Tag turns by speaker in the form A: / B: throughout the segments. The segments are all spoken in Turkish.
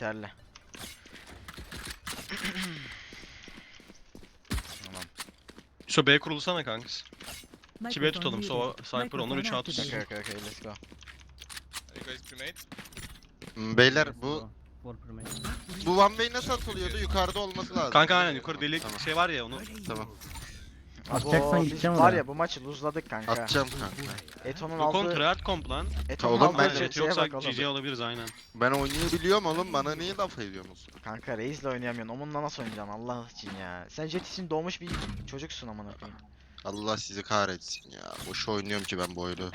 A: yeterli. Tamam.
B: Şu B kurulusana kanks. 2B tutalım. So Cypher onlar 3 at.
A: Okay, let's go.
C: Are you guys cremate?
D: Beyler bu
E: For primate.
D: one way nasıl atılıyordu? Yukarıda olması lazım.
B: Kanka aynen yukarı delik
D: Tamam.
B: şey var ya onu.
D: Tamam.
E: Atacaksan
A: Biz
E: gideceğim
A: var
E: oraya.
A: ya bu maçı luzladık kanka.
D: Atacağım kanka.
A: Eto'nun
B: Yok oğlum
A: aldığı...
B: tryhard comp lan.
A: Eto'nun
D: Oğlum,
A: aldığı
D: ben
B: Chat
A: şeye
B: yoksa
A: bak oğlum.
B: GG alabiliriz aynen.
D: Ben oynayabiliyorum oğlum. Bana niye laf ediyorsunuz?
A: Kanka Reis'le oynayamıyorsun. Omun'la nasıl oynayacaksın Allah için ya. Sen Jet için doğmuş bir çocuksun amına koyayım.
D: Allah sizi kahretsin ya. Boş oynuyorum ki ben bu oyunu.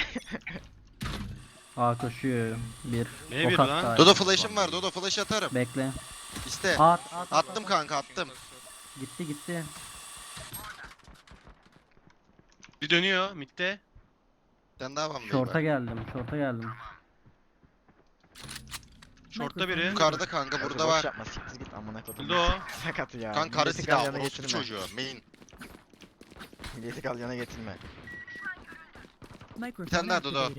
E: A koşuyor. Bir.
B: B1
E: Ok
B: lan.
E: attı.
D: Dodo flash'ım var. Dodo flash atarım.
E: Bekle.
D: İste.
E: At.
D: Attım kanka attım.
E: Gitti.
B: Bir dönüyor midde.
D: Sen daha var mı?
E: Short'a geldim.
B: Short'ta biri.
D: Yukarıda kanka
A: Kanka
D: burada
A: boş
D: var.
A: Yapma siktir git amına koydum.
B: Öldü o.
A: Sakat ya.
D: Kanka karı
A: Milleti
D: silah.
A: galyana
D: Orospu
A: getirme.
D: çocuğu. Main.
A: Milleti galyana getirme.
D: Bir tane daha Dodo.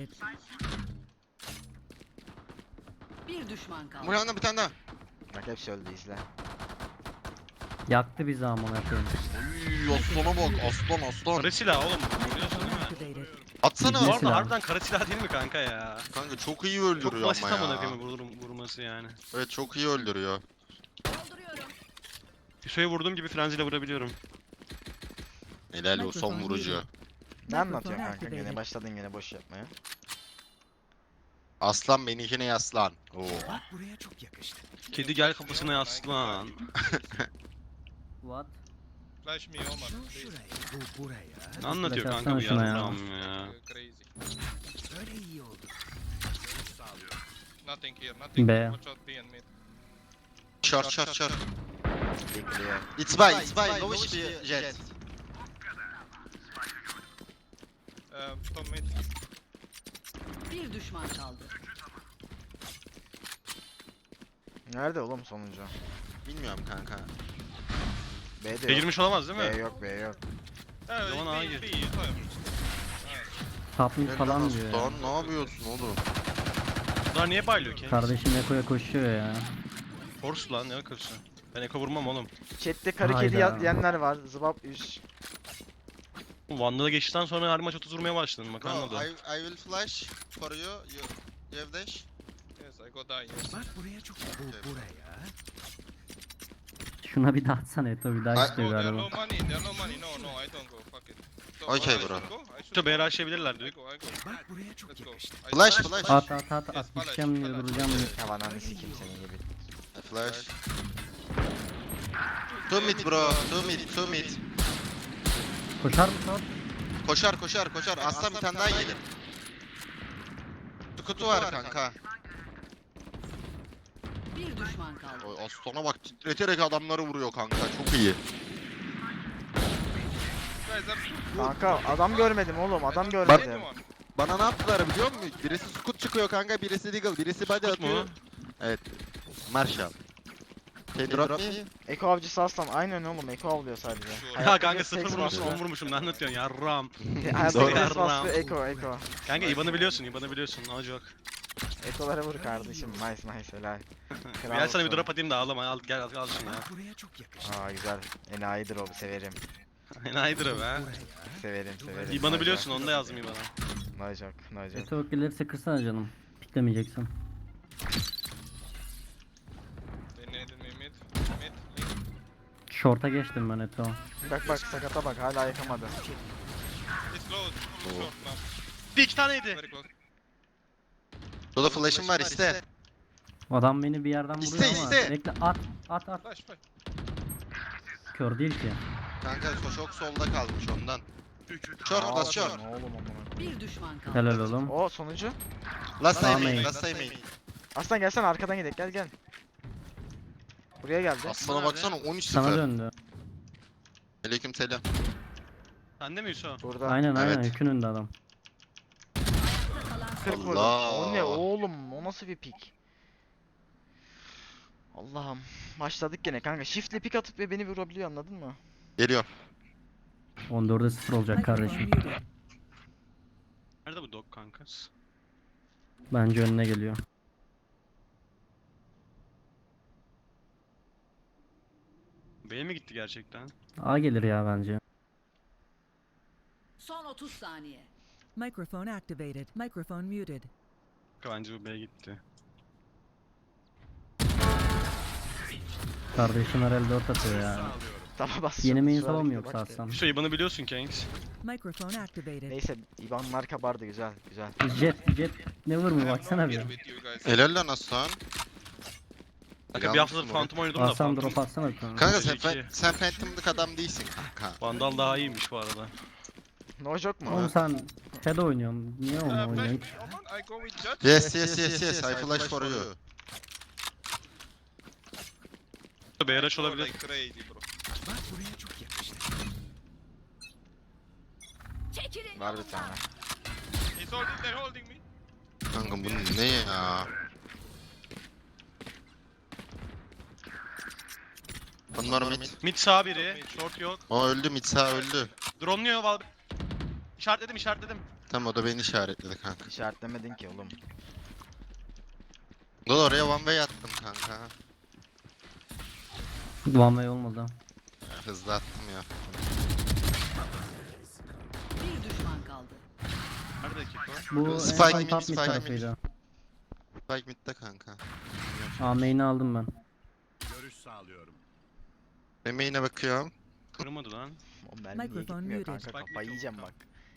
F: Bir düşman kaldı.
D: Murat'la bir tane daha.
A: Bak hepsi öldü izle.
E: Yaktı bizi amına koyayım.
D: Uy, aslana bak. Aslan.
B: Kara silah oğlum. Biliyorsun değil mi?
D: Atsana.
E: Bizim
B: Bu arada
E: silah.
B: harbiden kara silah değil mi kanka ya?
D: Kanka çok iyi
B: Çok
D: öldürüyor
B: basit
D: ama
B: amına
D: ya.
B: koyayım vurması yani.
D: Evet çok iyi öldürüyor.
B: Hüso'ya vurduğum gibi frenziyle vurabiliyorum.
D: Helal o son vurucu.
A: Ne anlatıyorsun kanka gene başladın gene boş yapmaya.
D: Aslan benimkine yaslan. Oo.
B: Kedi gel kafasına yaslan.
E: What?
C: Flash me, Omar, please.
B: Ne anlatıyor
E: Flash
B: kanka bu
E: atsana şuna ya.
B: yarram ya?
C: Crazy. Nothing here, nothing.
E: B.
C: Watch out B and mid.
D: Short.
A: Bekliyor.
D: It's by. Low HP jet.
C: Top mid.
F: Bir düşman kaldı.
A: Nerede oğlum sonuncu?
D: Bilmiyorum kanka.
A: B'de
B: B
A: yok.
B: girmiş olamaz değil
A: B
B: mi?
A: yok.
B: Zaman ağa gir.
E: Top mid falan diyor ya.
D: Aslan ne yapıyorsun oğlum?
B: Bunlar niye baylıyor ki?
E: Kardeşim Eko'ya koşuyor ya.
B: Force lan ne akılsın. Ben eko vurmam oğlum.
A: Chat'te karı kedi
E: Hayda.
A: diyenler var. Zıbap üş.
B: Vandal'a geçtikten sonra her maç 30 vurmaya başladın bak
D: Bro,
B: anladım.
D: I will flash for you. You have dash?
C: Yes, I go die. Yes.
E: Şuna bir daha atsana Eto bir daha
D: Ay-
E: istiyor
C: Oh, there are
E: galiba.
C: no money. There are no money. No, I don't go. Fuck it. So,
D: Okay,
C: I should
D: bro.
C: go? I should
B: Şu
C: go.
B: B rushlayabilirler
C: I
B: diyor.
C: go. Let's go.
D: Flash.
E: At gideceğim diye duracağım diye.
A: Ya ananı sikeyim senin gibi.
D: Flash. Two mid bro. Two mid.
E: Koşar mı short?
D: Koşar. Aslan bir tane daha gelir. Kutu var kanka.
F: Bir düşman kaldı.
D: Oy, Aslan'a bak titreterek adamları vuruyor kanka. Çok iyi.
C: Guys, I'm
A: Kanka adam görmedim oğlum adam
C: Bak-
A: görmedim.
D: Bana ne yaptılar biliyor musun? Birisi scoot çıkıyor kanka, birisi deagle, birisi body
B: Scoot mu?
D: atıyor. Evet. Marshall. Can you drop me?
A: Eko avcısı aslan aynen oğlum Eko avlıyor sadece.
C: Sure.
B: Ya kanka
A: bir
B: 0
A: seks
B: vurmuşum
A: var.
B: 10 vurmuşum ne anlatıyorsun yarram.
A: Hayatta
D: Doğru.
A: ses bastı Eko.
B: Kanka İban'ı biliyorsun no joke.
A: Ekolara vur kardeşim nice helal.
B: Gel sana bir
A: olsun.
B: drop atayım da ağlama al gel al şunu ya.
A: Aa güzel. Enayidir o severim.
B: Enayidir o be.
A: Severim.
B: İban'ı biliyorsun onu da yazdım İban'a.
A: No joke.
E: Eto gelirse kırsana canım. Piklemeyeceksin.
C: They needed me mid. Mid.
E: Short'a geçtim ben Eto.
A: Bak sakata bak hala yakamadı.
C: It's close. Short now.
B: Bir iki taneydi.
C: Very close.
D: Dodo flash'ım var iste.
E: Adam beni bir yerden vuruyor
D: İste,
E: ama.
D: iste.
E: Bekle at.
C: Flash.
E: Kör değil ki.
D: Kanka çok solda kalmış ondan. Short
A: Aa,
D: bas short.
A: Ne oğlum amına.
F: Bir düşman kaldı.
E: Helal oğlum.
A: O sonucu.
D: Last time
E: Main.
D: main, last time main.
A: Aslan gelsene arkadan gidelim gel. Buraya geldi.
D: Aslan'a baksana
E: Sana
D: 13-0.
E: döndü.
D: Aleyküm selam.
B: Sende mi Yusuf?
A: Burada.
E: Aynen
D: Evet.
E: yükün önünde adam.
A: 40 vurdum.
D: Allah.
A: O ne oğlum? O nasıl bir pik? Allah'ım. Başladık gene kanka. Shift'le pik atıp ve beni vurabiliyor anladın mı?
D: Geliyor.
E: 14'e 0 olacak kardeşim.
B: Nerede bu dog kankas?
E: Bence önüne geliyor.
B: B'ye mi gitti gerçekten?
E: A gelir ya bence.
F: Son 30 saniye.
G: Microphone activated. Microphone muted.
B: Bence bu B'ye gitti.
E: Kardeşim herhalde 4 atıyor ya.
A: Taba bas.
E: Yeni main
A: Şu
E: sava mı
A: harekete
E: yoksa
A: bak ya.
E: Aslan?
B: Şu IBAN'ı biliyorsun Kanks.
G: Microphone activated.
A: Neyse İvan marka bardı güzel güzel.
E: Jet never
C: I
E: mı
C: am
E: baksana
C: not
E: bir.
C: here with you guys.
D: Helal lan Aslan.
B: Kanka bir haftadır Phantom oynadım da
E: Aslan
B: Phantom.
E: drop atsana bir tane.
D: Kanka sen,
B: İki.
D: sen Phantom'lık adam değilsin kanka.
B: Vandal daha iyiymiş bu arada.
A: No joke mu?
E: Oğlum sen Head oynuyorsun. Niye onu oynuyorsun?
C: Oman, I go with Judge.
D: Yes, I flash for you.
B: B rush olabilir.
C: Like crazy bro.
A: Var bir tane.
C: He's holding, they're holding me.
D: Kanka bu ne ya? Bunlar mid.
B: Mid sağ biri. Short yok.
D: O öldü, mid sağ öldü.
B: Drone'luyor Val. İşaretledim.
D: Tam o da beni işaretledi kanka.
A: İşaretlemedin ki oğlum.
D: Dur oraya one way attım kanka.
E: One way olmadı.
D: Hızlı attım ya.
F: Bir düşman kaldı.
B: Nerede ki o?
E: Bu en
D: Spike
E: son
D: mid,
E: top mid
D: Spike mid.
E: tarafıydı.
D: Spike mid'de kanka.
E: A main'i aldım ben.
D: Ben main'e bakıyorum.
B: Kırmadı lan.
A: O mermi niye
G: Microphone
A: gitmiyor
G: muted.
A: kanka
B: Bak,
A: kafayı yiyeceğim bak.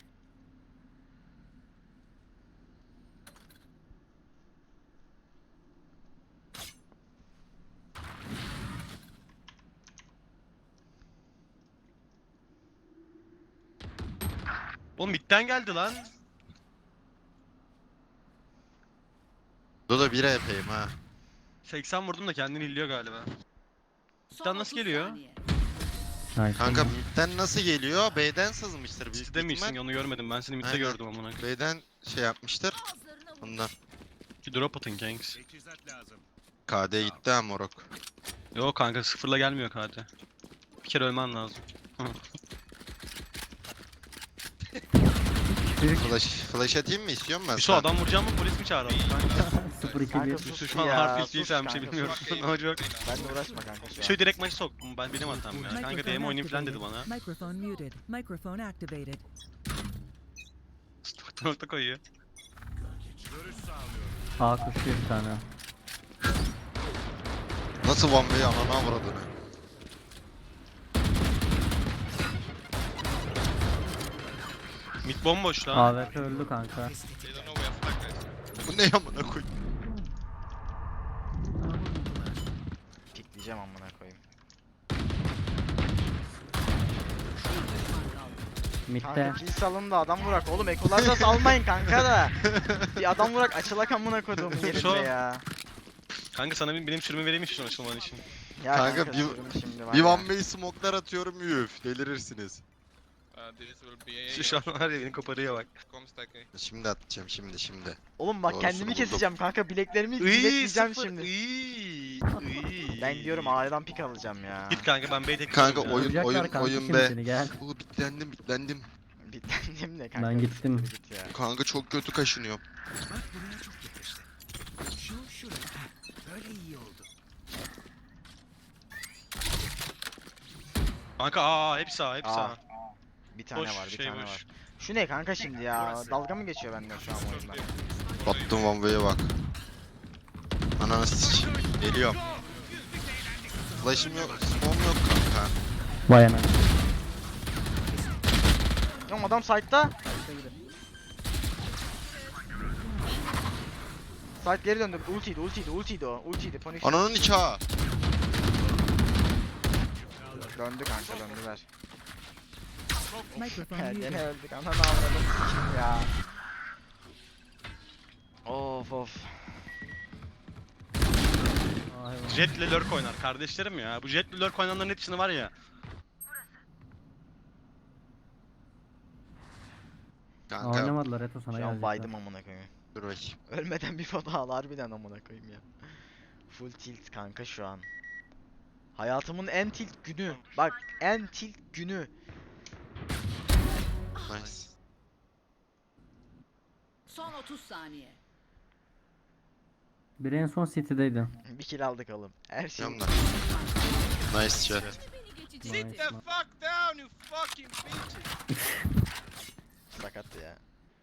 B: Oğlum midden geldi lan.
D: Dodo 1 EP'yim ha.
B: 80 vurdum da kendini illiyor galiba.
F: Son
B: nasıl
F: 30
B: geliyor?
F: saniye.
E: Nice.
D: Kanka midden nasıl geliyor? B'den sızmıştır büyük
B: Sizde misin?
D: ihtimal.
B: Onu görmedim. Ben seni midde
D: Aynen.
B: gördüm amına.
D: B'den şey yapmıştır. Ondan.
B: Bir drop atın Kanks.
D: KD gitti ha morok.
B: Yok kanka sıfırla gelmiyor KD. Bir kere ölmen lazım.
D: Flash atayım mı istiyorum ben?
B: Bir so adam vuracağım mı polis mi çağıralım kanka?
E: 0-2-1.
A: Kanka
B: Yusuf
A: sus
B: şu an
A: ya,
B: harf
A: sus
B: izleyeceğim bir şey
A: kanka,
B: bilmiyorum.
A: sus.
B: Ne olacak?
A: Benle uğraşma kanka şu an.
B: Şöyle direkt maçı sok. Benim hatam ya. Kanka
G: Microphone
B: DM oynayayım falan dedi
G: activated.
B: bana.
G: Microphone muted. Microphone activated.
B: Nokta koyuyor.
E: A koşuyor bir tane.
D: Nasıl one way anana avradını?
B: Mid bomboş lan.
E: AWP öldü kanka.
C: They don't know we are stuck guys.
D: Bu ne amına koy?
A: Pikleyeceğim amına koyayım.
F: Bir düşman kaldı.
E: Mid'de.
A: Kanka kill salın da adam vurak. Oğlum ekolarda salmayın kanka da. Bir adam vurak açılak amına koyduğum yerinde ya.
B: Kanka sana benim sürümü vereyim mi şunu açılman için?
A: Ya
D: Kanka,
A: sürüm şimdi var
D: Bir
A: ya.
D: one way smoke'lar atıyorum üf. Delirirsiniz.
C: This will be a
B: Şu an var ya beni koparıyor bak.
C: Comstack A.
D: Şimdi atacağım şimdi.
A: Oğlum bak
D: Doğrusunu
A: kendimi
D: buldum.
A: keseceğim kanka bileklerimi
B: Iiii
A: bilekleyeceğim
B: sıfır.
A: şimdi.
B: Iiii.
A: Ben diyorum A'dan pik alacağım ya.
B: Git kanka ben B'ye tek
D: Kanka,
B: gidiyorum ya.
D: oyun-
E: Vuracaklar kanka
D: oyun
E: şimdi
D: be.
E: seni gel.
D: Oo bitlendim.
A: Bitlendim ne kanka.
E: Ben gittim.
A: Git ya.
D: Kanka çok kötü kaşınıyorum.
B: Kanka hepsi A hepsi
A: Aa,
B: A.
A: Bir tane
B: Boş,
A: var bir
B: şey
A: tane
B: boş.
A: var. Şu ne kanka şimdi ya? Dalga mı geçiyor benden şu an bu oyunda?
D: Battım one way'e bak. Ananı siç. Geliyorum. Flash'ım yok, smoke'um yok kanka.
E: Vay anam.
A: Oğlum adam site'da. Site geri döndü. Ultiydi o. Ultiydi. Punish.
D: Ananın nikahı.
A: Döndü kanka döndüler.
G: Microphone
A: Ya
G: muted.
A: gene öldük. Ananı avradım ya. Of.
E: Ay, vay.
B: Jet'le lurk oynar kardeşlerim ya. Bu Jet'le lurk oynanların hepsini var ya.
D: Kanka
E: Oynamadılar Eto sana
A: Şu an
E: gelecekler.
A: baydım amına koyayım.
D: dur bakayım.
A: Ölmeden bir foto al harbiden amına koyayım ya. Full tilt kanka şu an. Hayatımın en tilt günü. Bak en tilt günü.
D: Nice.
F: Son 30 saniye.
E: Biri en son City'deydi.
A: Bir kill aldık oğlum. Her şey.
D: Yanımda. Nice chat.
F: Geçici
E: Nice.
C: Sit the fuck down, you fucking bitches.
A: Sakattı ya.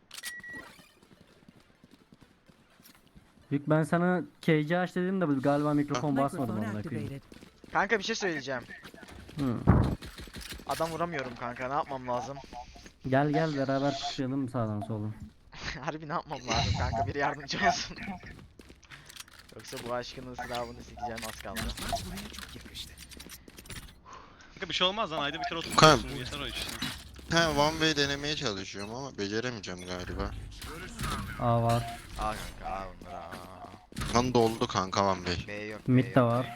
E: Yük ben sana KC aç dedim de galiba mikrofon basmadım
G: Microphone
E: amına koyayım.
G: activated.
A: Kanka bir şey söyleyeceğim.
E: Hı.
A: Adam vuramıyorum kanka, ne yapmam lazım?
E: Gel gel beraber çıkışalım sağdan soldan.
A: Harbi ne yapmam lazım kanka, biri yardımcı olsun. Yoksa bu aşkın ızdırabını sikeceğim, az kaldı.
B: Kanka bir şey olmaz lan, ayda bir kere
D: Kanka.
B: oturursun. Yeter o işte.
D: Ha, one way denemeye çalışıyorum ama beceremeyeceğim galiba.
E: A var.
A: Aa kanka, aa bunlar aa.
D: Lan doldu kanka one way.
A: B yok, B
E: Mid de
A: yok.
E: var.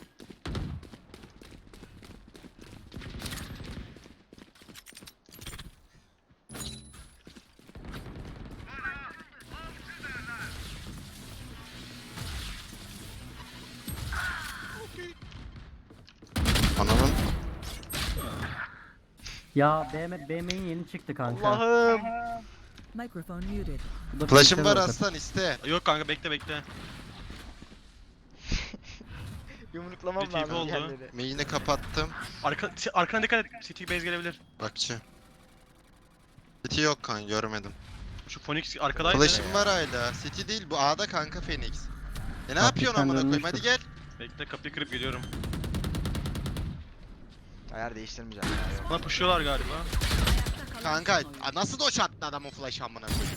D: Ananın
E: Ya B main yeni çıktı kanka.
A: Allah'ım.
G: Microphone muted.
E: Bu da
D: flash'ım
E: piksel
D: var
E: rocket.
D: aslan iste.
B: Yok kanka, bekle.
A: Yumruklamam
B: Bir tipi
A: lazım
B: oldu.
A: yerleri.
D: Main'i kapattım.
B: Arkana dikkat et. City base gelebilir.
D: Bakçı. City yok kan görmedim.
B: Şu Phoenix arkadaydı.
D: Flash'ım var hala. City değil bu A'da kanka Phoenix. E ne yapıyorsun
E: sen
D: amına koyayım,
E: dönmüştün.
D: hadi gel.
B: Bekle, kapıyı kırıp geliyorum.
A: Ayar değiştirmeyeceğim ya, yok.
B: Bana pushuyorlar galiba.
D: Kanka nasıl doç attı adamın flash amına koyayım.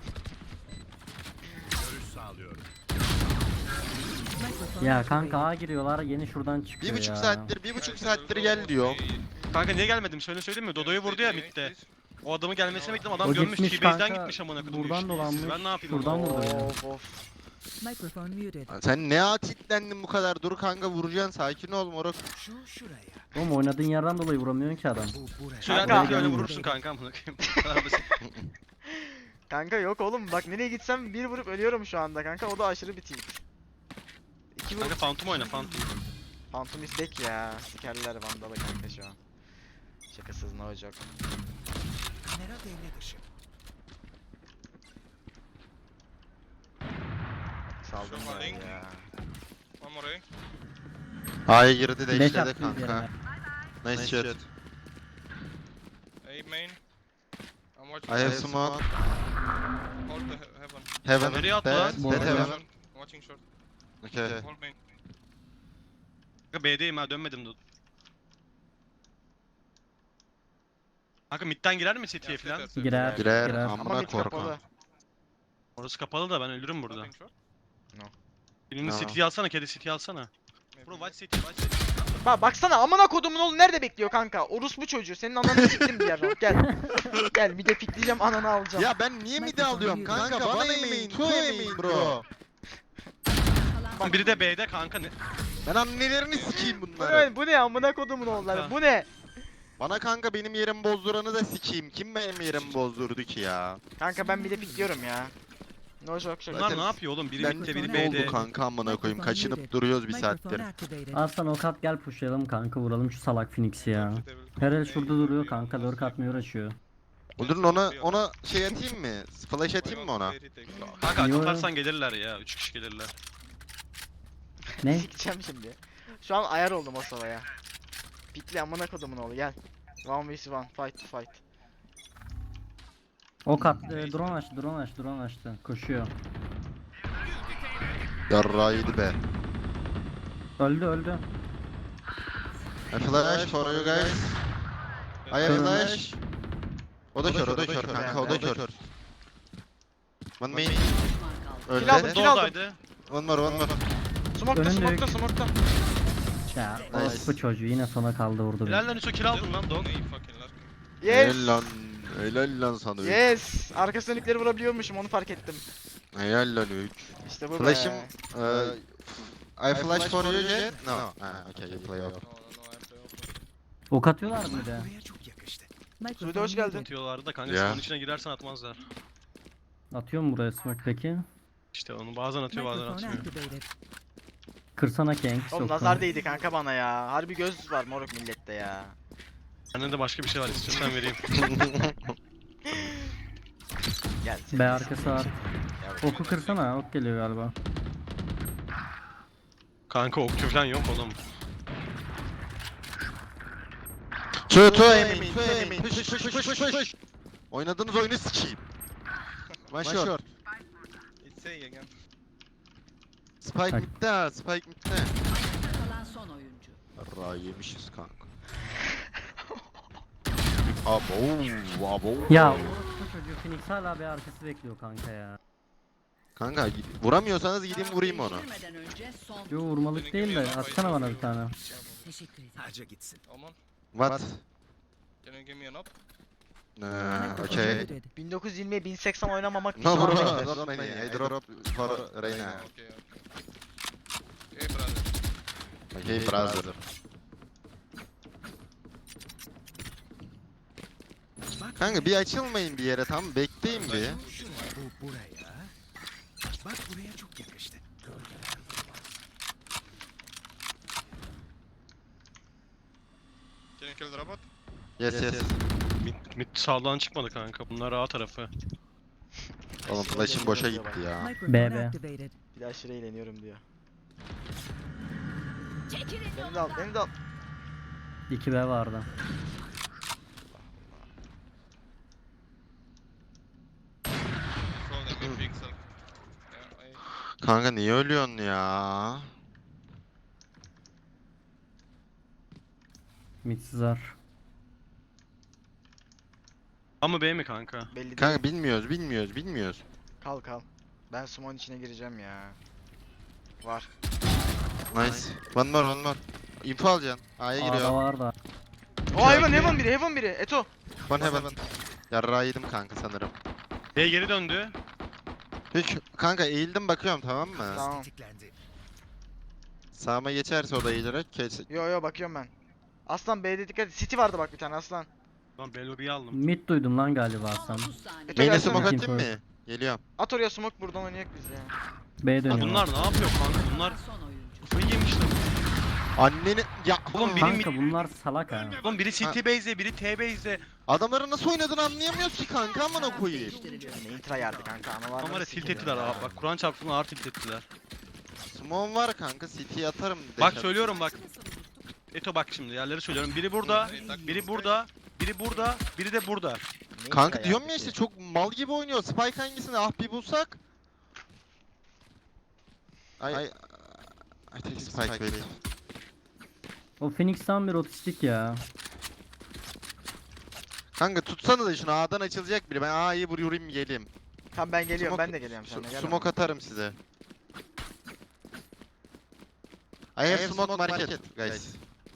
G: Microphone
E: Ya
G: activated.
E: kanka A giriyorlar yeni şuradan çıkıyor
D: Bir buçuk
E: ya.
D: saattir, bir buçuk saattir gel diyor.
B: Kanka niye gelmedim? Söyleyeyim mi? Dodo'yu vurdu ya midde. O adamın gelmesini bekledim. Adam
E: O
B: görmüş.
E: gitmiş
B: T-base'den
E: kanka,
B: gitmiş amına koydum.
E: buradan dolanmış,
B: Ben ne yapayım?
E: şuradan
B: oğlum?
E: vurdu.
A: Of of.
G: Microphone muted.
D: Sen ne atitlendin bu kadar, dur kanka vuracaksın, sakin ol moruk.
E: Oğlum oynadığın yerden dolayı vuramıyorsun ki adam.
B: Söyler
A: Kanka.
B: öyle vurursun kanka amına koyayım. Bu kadar basit.
A: Kanka yok oğlum, bak nereye gitsem bir vurup ölüyorum şu anda kanka, o da aşırı bir tilt. İki
B: Kanka
A: vurup
B: Phantom oyna, Phantom.
A: Phantom is back ya. Sikerler Vandal'ı kanka şu an. Şakasız no joke. Saldım
C: Şuradan
A: ben
C: link.
A: ya.
C: One more A.
D: A'ya girdi de
E: Beş
D: işledi
E: attı
D: kanka.
E: üzerine.
D: Nice shot.
C: A main. I'm
D: I
C: watching.
D: have smoke.
C: Hold the heaven.
D: Heaven.
B: Nereye attı
D: Dead,
B: lan?
D: dead heaven.
C: Short. Watching short.
D: Okay.
C: Hold main.
B: Kanka B'deyim ha, dönmedim de. Kanka midden girer mi City'ye
C: Yeah,
B: falan?
C: sit there,
E: Girer.
C: sit
D: Girer
E: Girer.
A: Ama
D: amına
A: mid kapalı.
D: korkan.
B: Orası kapalı da ben ölürüm burada.
C: Nothing short.
B: Birini
D: No.
B: City'yi alsana, kedi City'yi alsana.
C: Maybe
B: Bro
C: mid.
B: watch City, watch City.
A: Bak baksana, amına kodumun oğlu nerede bekliyor kanka? Orospu çocuğu, senin ananı siktim diğer round. Gel. Gel bir de pikleyeceğim, ananı alacağım.
D: Ya ben niye midi alıyorum kanka, bana emeğin, tu emeğin bro.
B: Lan biri de B'de kanka ne?
D: Ben annelerini sikeyim
A: Bu
D: bunları.
A: ne, bu ne amına kodumun oğulları, bu ne?
D: Bana kanka benim yerimi bozduranı da sikeyim. Kim benim yerimi bozdurdu ki ya?
A: Kanka ben bir de pikliyorum ya. No joke şaka.
B: Bunlar ne yapıyor oğlum? Biri
D: Ben
B: midde, biri
D: ne
B: B'de.
D: oldu kanka amına koyayım, kaçınıp duruyoruz bir saattir.
G: Microphone activated.
E: Aslan ok at gel pushlayalım kanka vuralım şu salak Phoenix'i ya.
C: They will-
E: Her el
C: they
E: şurada
C: will
E: duruyor
C: be
E: kanka
C: on
E: lurk
C: the
E: atmıyor uğraşıyor.
D: Öldürün ona şey atayım mı? Flash atayım mı ona?
B: Kanka
E: Yo.
B: atarsan gelirler ya. 3 kişi gelirler.
E: Ne?
A: Sikeceğim şimdi. Şu an ayar oldum o sovaya. Pikli amına kodumun oğlu, gel. 1v1 fight to fight.
E: Ok at drone açtı koşuyor.
D: Yarrağıydı be.
E: Öldü.
D: I flash for you guys. I have flash. O da kör kanka, o da kör. One main.
F: Düşman kaldı.
A: Kill aldım,
D: Öldü.
A: kill aldım.
B: Doldaydı.
D: One more.
A: Smoke'ta,
E: Önünde
A: smoke'ta,
E: yok.
A: smoke'ta.
E: Ya
D: Nice.
E: orospu çocuğu yine sona kaldı vurdu
B: Helal
E: beni.
B: lan Hüso, kill aldın lan Dog.
C: They fucking lucky.
A: Yes.
D: Helal lan sana üç.
A: Yes. Arka dönükleri vurabiliyormuşum, onu fark ettim.
D: Helal lan 3.
A: İşte bu
D: Flash'ım
A: be.
D: I flash for you Jet. No. Okay, you play off.
C: No, I play off.
E: Ok atıyorlar mı bir de?
A: Suudi hoş geldin.
B: Atıyorlardı da kanka,
D: Ya.
B: onun içine girersen atmazlar.
E: Atıyor mu buraya smoke peki?
B: İşte onu bazen atıyor, bazen
G: Microphone
B: atmıyor.
G: activated.
E: Kırsana Kanks.
A: Oğlum
E: yok
A: nazar
E: kanka.
A: değdi kanka bana ya. Harbi göz var moruk millette ya.
B: Bende de başka bir şey var, istiyorsan vereyim.
A: Gel.
E: B arkası var.
A: Yavrum.
E: Oku kırsana ok geliyor galiba.
B: Kanka okçu falan yok oğlum.
D: Two aiming. Push. Oynadığınız oyunu sikeyim. One shot.
C: It's A again.
D: Spike
E: Bak.
D: midde ha, Spike midde.
F: Kalan son oyuncu.
D: Ra yemişiz kanka. Abo.
E: Ya bu çocuğu Phoenix hala bir arkası bekliyor kanka ya.
D: Kanka vuramıyorsanız gideyim vurayım onu.
F: Değiştirmeden önce son.
E: Yo vurmalık değil de atsana bana bir tane.
F: Teşekkür ederim.
C: Omen,
D: What?
C: can you give me an up?
G: Microphone
D: Okay.
G: muted.
A: 1920'ye 1080 oynamamak
D: No bro,
A: pişmanlıktır.
D: not many. I drop for Reyna.
C: Okay. Hey brother.
D: Okay brother. Kanka bir açılmayın bir yere, tamam bekleyin bir.
C: Can you kill the robot?
D: Yes.
B: Mid sağdan çıkmadı kanka. Bunlar A tarafı.
D: Oğlum flash'im boşa gitti ya.
G: Microphone
E: BB.
G: activated.
A: Bir de aşırı eğleniyorum diyor. Beni de al.
E: 2B vardı.
C: Throw them in pixel. Yeah,
D: Kanka niye ölüyorsun ya?
E: Mid sızar.
B: A mı B mi kanka?
A: Belli değil.
D: Kanka bilmiyoruz.
A: Kal. Ben sumon içine gireceğim ya. Var.
D: Nice. One more. Info alacaksın. A'ya
E: A'da
D: giriyor.
E: var da.
A: O Heaven biri. Eto.
D: One heaven. Yarrağı yedim kanka sanırım.
B: B geri döndü.
D: Hiç kanka eğildim bakıyorum, tamam mı?
A: Tamam.
D: Sağıma geçerse o da eğilerek kes.
A: Yo bakıyorum ben. Aslan B'de dikkat et. City vardı bak bir tane aslan.
B: Lan B lobby'yi aldım.
E: Mid duydum lan galiba
F: Son
E: sen.
F: 30 saniye.
A: Eto
D: Main'e
A: gelsene.
D: smoke
E: Info.
D: atayım mı? Geliyorum.
A: At oraya smoke buradan oynayak biz ya.
E: B
B: Ya
E: dönüyor.
B: bunlar ne yapıyor kanka? Bunlar
F: Son oyuncu.
B: kafayı yemişler.
D: Anneni ya
B: Oğlum biri
E: Kanka bunlar salak ha.
B: Oğlum biri CT base'de, biri T base'de.
D: adamların nasıl oynadığını anlayamıyoruz ki kanka, amına koyayım.
F: Değiştiriliyor.
A: Ne intra yerdi kanka analar.
B: Ama tilt ettiler abi. Bak Kur'an çarpsın ağır tilt ettiler.
D: Smoke var kanka, CT'ye atarım.
B: Bak
D: deşat.
B: söylüyorum bak. Eto bak şimdi yerleri söylüyorum. Biri burada, biri burada, biri burada, biri de burada.
D: Kanka diyorum ya işte çok mal gibi oynuyor. Spike hangisini bir bulsak. I take Spike wait.
E: O Phoenix tam bir otistik ya.
D: Kanka tutsana da şunu, A'dan açılacak biri. Ben A'yı vurayım geleyim.
A: Tamam ben geliyorum.
D: Smoke-
A: Ben de geliyorum seninle. Gel
D: Smoke atarım size. I have smoke market guys.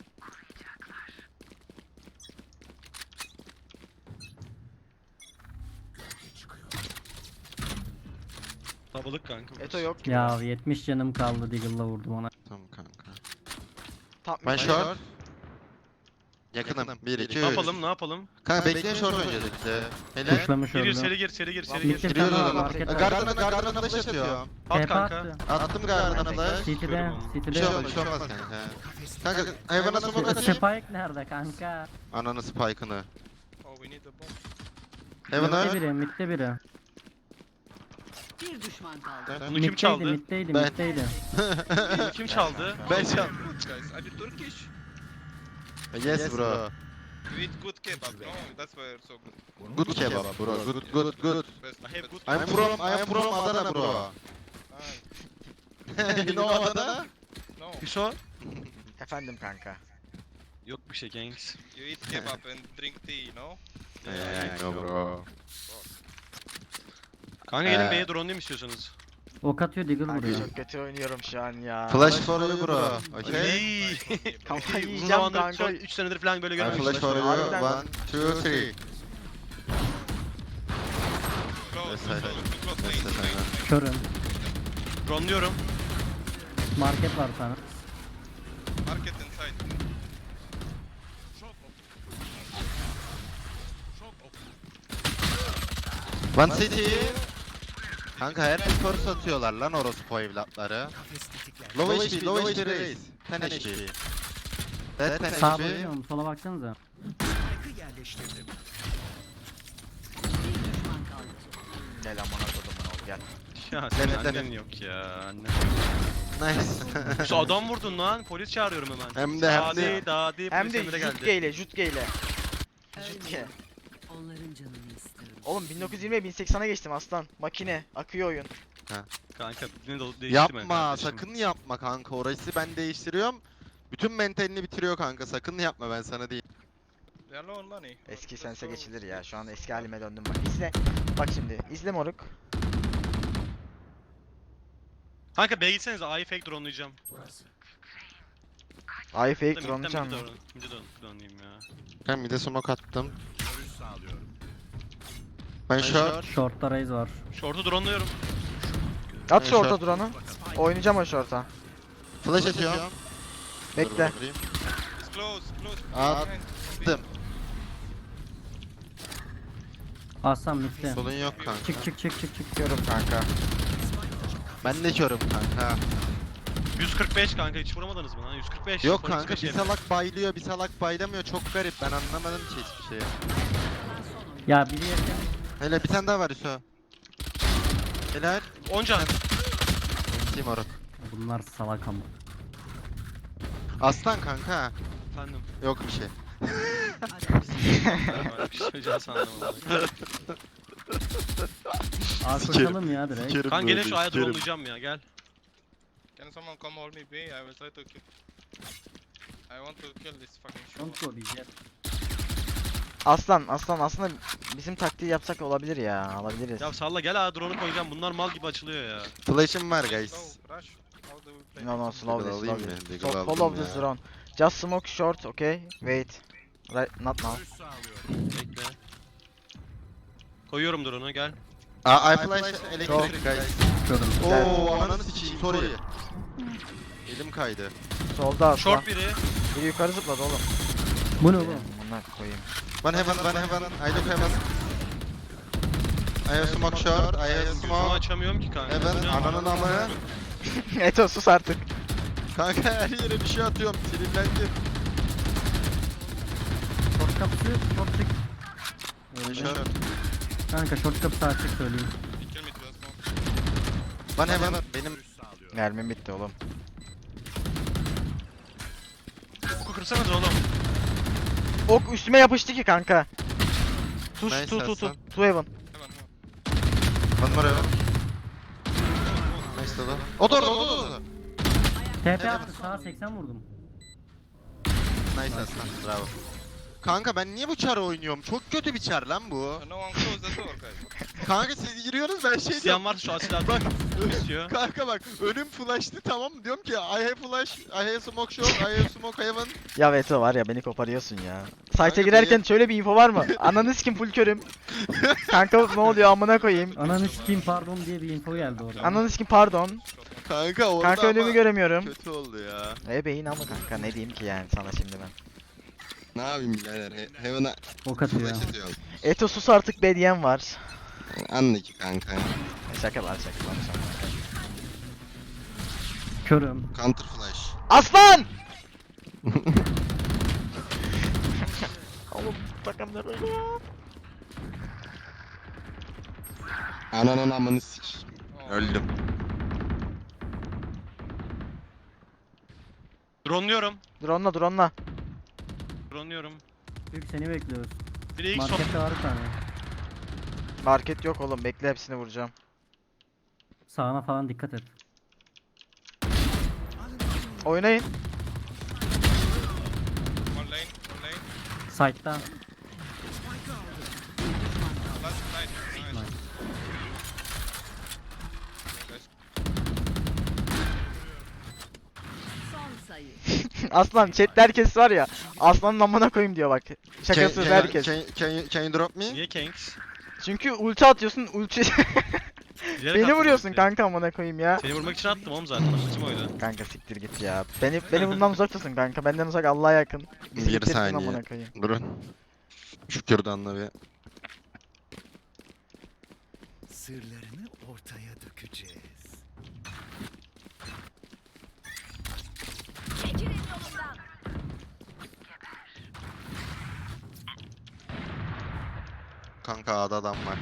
B: Tabalık kanka.
A: Eto yok gibi.
E: Ya 70 canım kaldı, Deagle'la vurdum ona.
D: Tamam kanka.
A: Tam
D: Ben short. Yakınım. 1 2 3.
B: Ne yapalım, ne yapalım?
D: Kanka bekleyin short öncelikle. Helal.
E: Kuşlamış
B: Gir,
E: öldü.
B: seri gir, seri gir, seri
E: Mid
B: gir.
E: bir
D: Giriyoruz
E: tane var,
D: oğlum.
E: market var.
D: Garden'a flash atıyor.
B: At
E: TP
B: kanka.
E: attı.
D: Attım Garden'a flash.
E: City'de.
D: Bir
E: City'de.
D: şey olmaz, bir şey olmaz kanka. Kanka hayvana smoke atayım.
E: Spike nerede kanka?
D: Ananı spike'ını.
C: Oh, we need the bomb.
D: Heaven'a.
E: Midde biri.
F: Bir düşman kaldı.
B: Bunu kim çaldı?
E: Middeydi.
D: Ben.
B: Bunu kim çaldı?
D: Ben çaldım.
C: Good guys. I did Turkish.
D: Yes bro.
C: We eat good kebab, no? That's why you're so good.
D: Good kebab bro. Good.
C: Best.
B: I have good.
D: I'm from Adana bro.
C: Ah,
D: You know Adana?
C: no,
B: Hüso?
A: Efendim kanka.
B: Yok bir şey gangs.
C: you eat kebab and drink tea, no?
D: Yeah, I know bro.
B: Kanka gelin B'ye drone değil mi istiyorsanız?
E: Ok atıyor, Deagle
A: Kanka
E: vuruyor.
A: çok kötü oynuyorum şu an ya.
D: Flash for you bro. Okay.
B: Ey!
A: Kafayı
B: Uzun
A: yiyeceğim
B: zamandır
A: kanka.
B: son 3 senedir falan böyle
D: I
B: görmemiştim.
D: flash for you.
A: Harbiden.
D: 1 2 3.
C: Close,
D: Yes,
C: close, close,
D: Yes,
C: close,
D: aynen.
E: Körüm.
B: Drone'luyorum.
E: Market var sana.
C: Market inside.
D: One city. Kanka her bir force atıyorlar lan orospu evlatları. Low HP, low HP raise. 10 HP. That 10
E: Sağa
D: HP.
E: bakıyorum, sola baksanıza.
F: Bir düşman kaldı.
A: Gel amına kodumun oğlu gel.
B: Ya senin
D: Evet,
B: annen
D: evet.
B: yok ya anne.
D: Nice.
B: Şu adam vurdun lan polis çağırıyorum hemen.
D: Hem de.
B: Dadi
A: Hem
B: polis
A: de
B: emre geldi.
A: Jutge ile. ciddi.
F: Onların canını istiyorum.
A: Oğlum 1920'ye 1080'a geçtim aslan. Makine. Akıyor oyun.
B: Kanka ne de değiştirme
D: Yapma
B: kardeşim.
D: sakın yapma kanka. Orası ben değiştiriyorum. Bütün mentalini bitiriyor kanka. Sakın yapma ben sana değil.
C: They are low on money.
A: Eski
C: Let's
A: sense
C: go.
A: geçilir ya. Şu an eski halime döndüm bak. İzle. Bak şimdi. İzle moruk.
B: Kanka B'ye gitsenize A'yı fake drone'layacağım.
A: Ay fake
B: Mid'den
A: drone
B: mid
A: can mı?
B: drone. Mid'e drone'layayım ya.
D: Ben bir de smoke attım. Ben short.
E: Short'ta raise var.
B: Short'u drone'luyorum.
A: At
D: Ben
A: short'a
D: short.
A: drone'u. Oynayacağım o short'a.
D: Flash atıyorum.
A: Bekle.
D: Dur, vurayım.
C: It's close, close.
D: Aa, attım.
E: Aslan midde.
D: Solun yok kanka.
E: Çık çık çık çık çık.
A: Çıkıyorum kanka.
D: Ben de körüm kanka.
B: 145 kanka hiç vuramadınız mı lan? 145.
D: Yok
B: son
D: kanka
B: 145
D: bir salak baylıyor bir salak baylamıyor çok garip ben anlamadım ki hiçbir şeyi.
E: Ya biri yakın.
D: Hele bir tane daha var Hüso. Helal.
B: 10 can.
D: Kim oruk.
E: Bunlar salak ama.
D: Aslan kanka.
B: Efendim.
D: Yok bir şey.
B: Bir şey söyleyeceğim sandım.
E: A koşalım ya direkt.
B: Kanka gelin şu A'ya drone'layacağım ya gel.
C: Can someone come hold me B? I will try to kill. I want to kill this fucking
E: Don't
C: show.
E: go diyeceğiz.
A: Aslan aslında bizim taktiği yapsak olabilir ya. Alabiliriz.
B: Ya salla gel A drone'u koyacağım. Bunlar mal gibi açılıyor ya.
D: Flash'ım var guys.
C: Slow, rush. How do we play?
A: No no slow
D: Deagle
A: this
D: alayım
A: slow
D: mı?
A: this.
D: Deagle
A: So
D: aldım
A: follow this
D: ya.
A: drone. Just smoke short okay. Wait. Right not now.
B: Bekle. Koyuyorum drone'u gel.
D: I flash elektrik guys.
E: Körüm.
D: Oo ananı sikeyim sorry. Elim kaydı.
A: Solda aslan.
B: Short biri.
A: Biri yukarı zıpladı oğlum.
E: Bu ne oğlum?
A: Bunlar koyayım.
D: One heaven, I look heaven. I have smoke short, I have
B: Gözümü
D: smoke.
B: açamıyorum ki kanka.
D: Heaven,
B: Bu ne?
D: ananın amı.
A: Eto sus artık.
D: Kanka her yere bir şey atıyorum, sinirlendim.
E: Short kapısı short çık. Öyle.
D: Short.
E: Kanka short kapısı açık söyleyeyim.
C: You kill me to the smoke.
D: One heaven, benim
A: Mermim bitti oğlum.
B: Oku kırsanız oğlum.
A: Ok üstüme yapıştı ki kanka. Tuş
D: Nice
A: tu.
D: Aslan.
A: Tu heaven.
C: Heaven, heaven.
D: One more heaven. Nice dolu. O da orada.
E: TP attı sağa 80 vurdum.
D: Nice aslan, bravo. Kanka ben niye bu çarı oynuyorum? Çok kötü bir çar lan bu.
C: No one close the door, guys.
D: Kanka siz giriyorsunuz ben şey
B: İsteyen
D: diyorum.
B: varsa şu asil
D: Bak.
B: istiyor.
D: Kanka bak önüm flash'tı tamam mı? Diyorum ki I have flash, I have smoke short, I have smoke heaven.
A: Ya Veto var ya beni koparıyorsun ya. Site'e
D: Kanka
A: girerken şöyle bir info var mı? Ananı sikim full körüm. Kanka ne oluyor amına koyayım.
E: Ananı sikeyim pardon diye bir info geldi orada.
A: Ananı sikim pardon.
D: Kanka orada
A: Kanka önümü
D: ama
A: göremiyorum.
D: kötü oldu ya.
A: Beyin ama kanka ne diyeyim ki yani sana şimdi ben.
G: Ne yapayım birader? Heaven'a
E: Ok atıyor.
G: flash atıyorum.
A: Eto sus artık bediyen var.
G: Anla ki kanka.
A: Şaka var şaka.
E: Körüm.
G: Counter flash.
A: Aslan! Oğlum takamlar öyle ya.
G: Ananın amını sik.
C: Oh,
G: Öldüm.
B: Drone'luyorum.
A: Drone'la.
B: Drone'luyorum.
E: Büyük seni bekliyoruz.
B: Biri ilk son.
E: Markette var bir tane.
A: Market yok oğlum bekle hepsini vuracağım.
E: Sağına falan dikkat et.
A: Oynayın.
C: one lane.
E: Side'da.
C: Last nice. Nice.
E: Nice.
C: Guys.
F: Son sayı.
A: Aslan chatte herkes var ya. Aslanın amına koyayım diyor bak. Şakasız herkes.
D: Can you drop me?
B: Niye Kanks?
A: Çünkü ulti atıyorsun ulti.
B: Bilerek
A: Beni
B: attım
A: vuruyorsun
B: ultiyi.
A: kanka amına koyayım ya.
B: Seni vurmak için attım oğlum zaten. Amacım oydu.
A: Kanka siktir git ya. Beni bundan uzak tutun kanka. Benden uzak Allah'a yakın. Bizi
D: Bir
A: bitirsin
D: saniye.
A: amına koyayım.
D: Durun. Şu kürdanla bir.
F: Sırlarını ortaya dökeceğiz.
H: Çekilin yolumdan.
D: Kanka A'da adam var.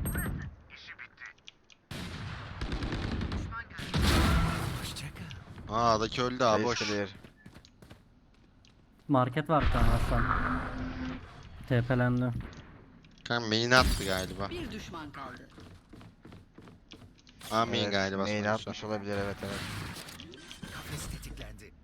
F: Hoşçakal.
D: A'daki öldü abi
A: Base
D: boş.
A: clear.
E: Market var bir tane aslan. TP'lendi.
D: Kanka main'e attı galiba.
F: Bir düşman kaldı.
D: A main
A: Evet,
D: galiba
A: main
D: sonuçta.
A: atmış olabilir, evet evet.
F: Kafes tetiklendi.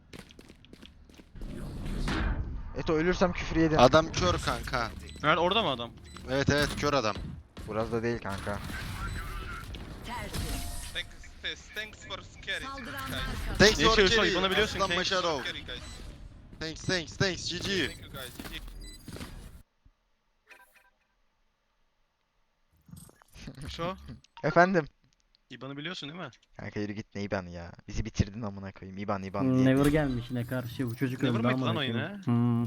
A: Eto ölürsem küfür yedin.
D: Adam kör kanka.
B: Nerede orada mı adam?
D: Evet evet kör adam.
A: Burası da değil kanka.
F: Tertemiz.
C: Thanks for scary
F: Saldıranlar
C: guys.
F: kazandı.
D: Thanks
B: Ne
D: for
B: işiyorsun?
D: carry.
B: Bana biliyorsun,
D: Aslan
B: thanks.
D: Maşarov.
C: Scary guys.
D: Thanks GG.
C: Thank you guys. GG.
B: Şu.
A: Efendim.
B: İban'ı biliyorsun değil mi?
A: Kanka yürü git, ne İban'ı ya. Bizi bitirdin amına koyayım. İban diye.
E: Never gelmiş yine karşı. Bu çocuk
B: Never
E: öldü
B: mıydı
E: ama.
B: lan o yine?